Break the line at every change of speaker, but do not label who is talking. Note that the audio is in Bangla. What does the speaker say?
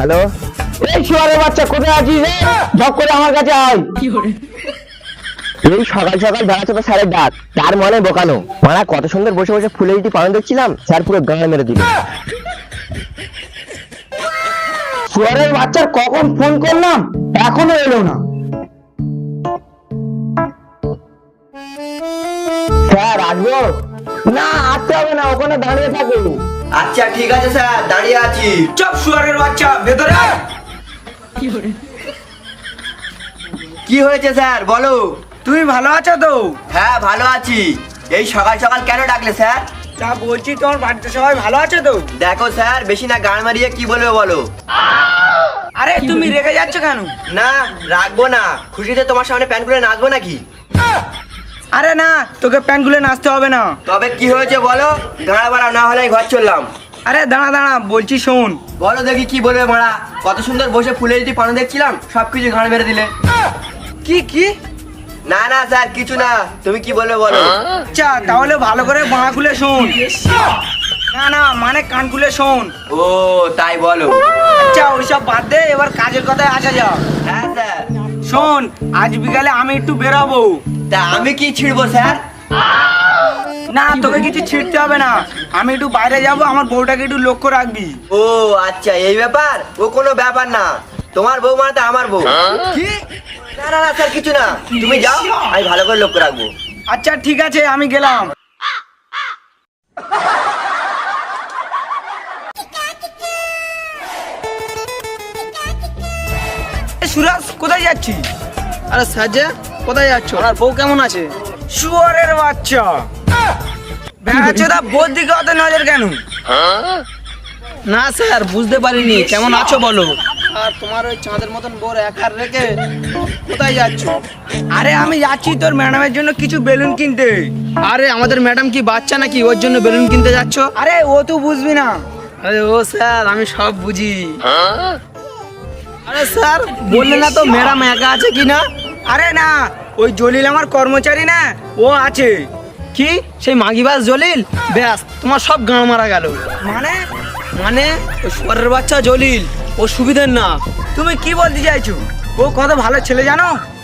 হ্যালো, এই শুয়ারের বাচ্চা কোথায় আছিস রে? ঝপ করে আমার কাছে আয়। এই সকাল সকাল বেড়াচ্ছে তো স্যারের ডাক, তার মনে বোকানো মারা কত সুন্দর বসে বসে ফুলের ইটি পালন দেখছিলাম, স্যার পুরো গাঁড়ে মেরে দিল। শুয়ারের বাচ্চার কখন ফোন করলাম এখনো এলো না। স্যার আসবো? না আসতে হবে না, ওখানে দাঁড়িয়ে থাকো।
আচ্ছা ঠিক আছে স্যার, দাঁড়িয়ে আছি।
চুপ শুয়ারের বাচ্চা, ভেতরে আয়।
কি হয়েছে স্যার বলো?
তুমি ভালো আছো তো?
হ্যাঁ ভালো আছি। এই সকাল সকাল কেন ডাকলে স্যার?
তা বলছি তোমার বাড়িতে সবাই ভালো আছে তো?
দেখো স্যার, বেশি না গান মারিয়ে কি বলবে বলো।
আরে তুমি রেগে যাচ্ছ কেন?
না রাখবো না, খুশিতে তোমার সামনে প্যান্ট খুলে নাচবো নাকি?
আরে না, তোকে প্যান্ট খুলে নাচতে হবে না।
তবে কি হয়েছে বলো? গাঁড়া বাড়া না হলে আমি ঘর চললাম।
আরে দাঁড়া দাঁড়া, বলছি শোন।
বলো দেখি কি বলবে মারা। কত সুন্দর বসে ফুলের ইটি পানো দেখছিলাম, সবকিছু ঘাড় মেরে দিলে।
কি কি?
না না স্যার কিছু না, তুমি কি বলবে বলো।
আচ্ছা তাহলে ভালো করে বাঁ খুলে শোন। না না মানে কান খুলে শোন।
ও তাই বলো।
আচ্ছা ওইসব বাদ দে, এবার কাজের কথায় আসা যাক।
হ্যাঁ স্যার।
শোন, আজ বিকালে আমি একটু বেরাবো।
তা আমি কি ছিড়বো স্যার?
না তোকে কিছু ছিড়তে হবে না, আমি একটু বাইরে যাব, আমার বউটাকে একটু লক্ষ্য রাখবি।
ও আচ্ছা এই ব্যাপার, ও কোনো ব্যাপার না। তোমার বউ মানে তো আমার বউ।
কি?
না না না স্যার কিছু না, তুমি যাও, আমি ভালো করে লক্ষ্য রাখবো।
আচ্ছা ঠিক আছে, আমি গেলাম। সুরাজ কোথায় যাচ্ছিস?
আরে সাজে কোথায় যাচ্ছ? আর বউ কেমন আছে?
শুয়ারের বাচ্চা, বেড়াচ্ছোদা বোর দিকে অত নজর কেন?
না স্যার বুঝতে পারিনি, কেমন আছো বলো। আর তোমার ওই চাঁদের মতন বোর একার রেখে কোথায় যাচ্ছ?
আরে আমি যাচ্ছি তোর ম্যাডামের জন্য কিছু বেলুন কিনতে।
আরে আমাদের ম্যাডাম কি বাচ্চা নাকি, ওর জন্য বেলুন কিনতে যাচ্ছ?
আরে ও তুই বুঝবি না।
আরে ও স্যার আমি সব বুঝি। আরে স্যার বললে না তো ম্যাডাম একা আছে কি না?
আরে না, ওই জলিল আমার কর্মচারী না, ও আছে।
কি সেই মাগিবাস জলিল? ব্যাস তোমার সব গাঁ মারা গেল।
মানে
মানে ওই শুয়ারের বাচ্চা জলিল ও সুবিধের না।
তুমি কি বলতে চাইছো? ও কত ভালো ছেলে জানো?